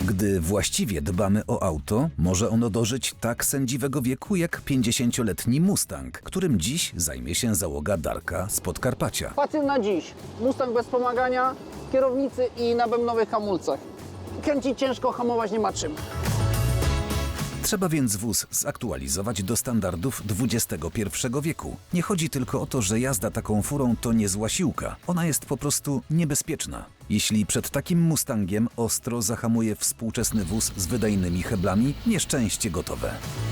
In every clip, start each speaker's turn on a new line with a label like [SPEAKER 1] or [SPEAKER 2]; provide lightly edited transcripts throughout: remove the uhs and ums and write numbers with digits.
[SPEAKER 1] Gdy właściwie dbamy o auto, może ono dożyć tak sędziwego wieku jak 50-letni Mustang, którym dziś zajmie się załoga Darka z Podkarpacia.
[SPEAKER 2] Patent na dziś. Mustang bez wspomagania, kierownicy i na bębnowych hamulcach. Kręcić ciężko, hamować nie ma czym.
[SPEAKER 1] Trzeba więc wóz zaktualizować do standardów XXI wieku. Nie chodzi tylko o to, że jazda taką furą to niezła siłka. Ona jest po prostu niebezpieczna. Jeśli przed takim Mustangiem ostro zahamuje współczesny wóz z wydajnymi heblami, nieszczęście gotowe.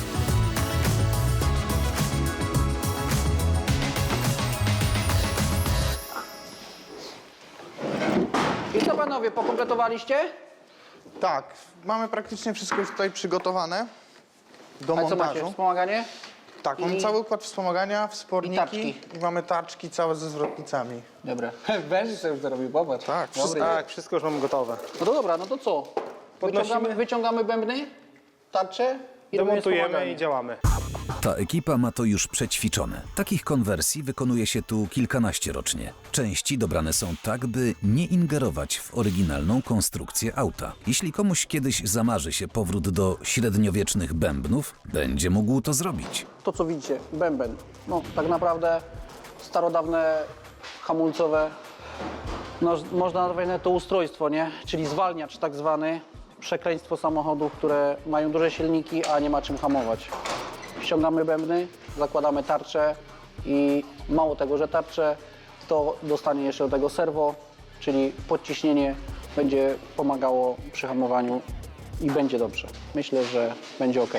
[SPEAKER 2] I co panowie, pokompletowaliście?
[SPEAKER 3] Tak, mamy praktycznie wszystko już tutaj przygotowane do
[SPEAKER 2] A co macie,
[SPEAKER 3] montażu.
[SPEAKER 2] wspomaganie?
[SPEAKER 3] Tak, mamy
[SPEAKER 2] I-
[SPEAKER 3] cały układ wspomagania, wsporniki
[SPEAKER 2] taczki.
[SPEAKER 3] i mamy taczki całe ze zwrotnicami.
[SPEAKER 2] Dobra. Węży sobie już zarobił, popatrz.
[SPEAKER 3] Tak,
[SPEAKER 2] Dobry.
[SPEAKER 3] wszystko, tak, wszystko już mamy gotowe.
[SPEAKER 2] No to dobra, no to co?
[SPEAKER 4] Podnosimy.
[SPEAKER 2] Wyciągamy bębny, tarcze i robimy
[SPEAKER 4] Demontujemy
[SPEAKER 2] wspomaganie.
[SPEAKER 4] i działamy.
[SPEAKER 1] Ta ekipa ma to już przećwiczone. Takich konwersji wykonuje się tu kilkanaście rocznie. Części dobrane są tak, by nie ingerować w oryginalną konstrukcję auta. Jeśli komuś kiedyś zamarzy się powrót do średniowiecznych bębnów, będzie mógł to zrobić.
[SPEAKER 2] To co widzicie, bęben. No tak naprawdę starodawne hamulcowe, no, można nazwać to ustrojstwo, nie? Czyli zwalniacz tak zwany, przekleństwo samochodów, które mają duże silniki, a nie ma czym hamować. Ściągamy bębny, zakładamy tarczę i mało tego, że tarczę, to dostanie jeszcze do tego serwo, czyli podciśnienie będzie pomagało przy hamowaniu i będzie dobrze. Myślę, że będzie ok.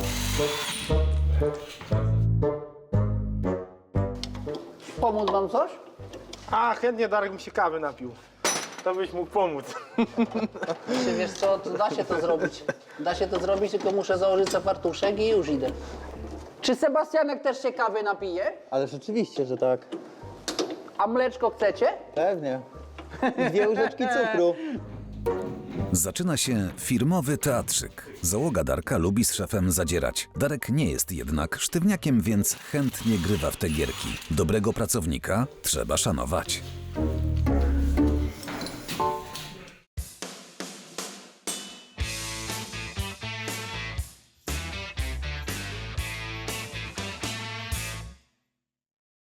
[SPEAKER 2] Pomóc wam coś?
[SPEAKER 4] A, chętnie Darek mi się kawy napił. To byś mógł pomóc.
[SPEAKER 2] Czy wiesz co, to da się to zrobić. Da się to zrobić, tylko muszę założyć sobie fartuszek i już idę. Czy Sebastianek też się kawy napije?
[SPEAKER 5] Ale rzeczywiście, że tak.
[SPEAKER 2] A mleczko chcecie?
[SPEAKER 5] Pewnie. I 2 łyżeczki cukru.
[SPEAKER 1] Zaczyna się firmowy teatrzyk. Załoga Darka lubi z szefem zadzierać. Darek nie jest jednak sztywniakiem, więc chętnie grywa w te gierki. Dobrego pracownika trzeba szanować.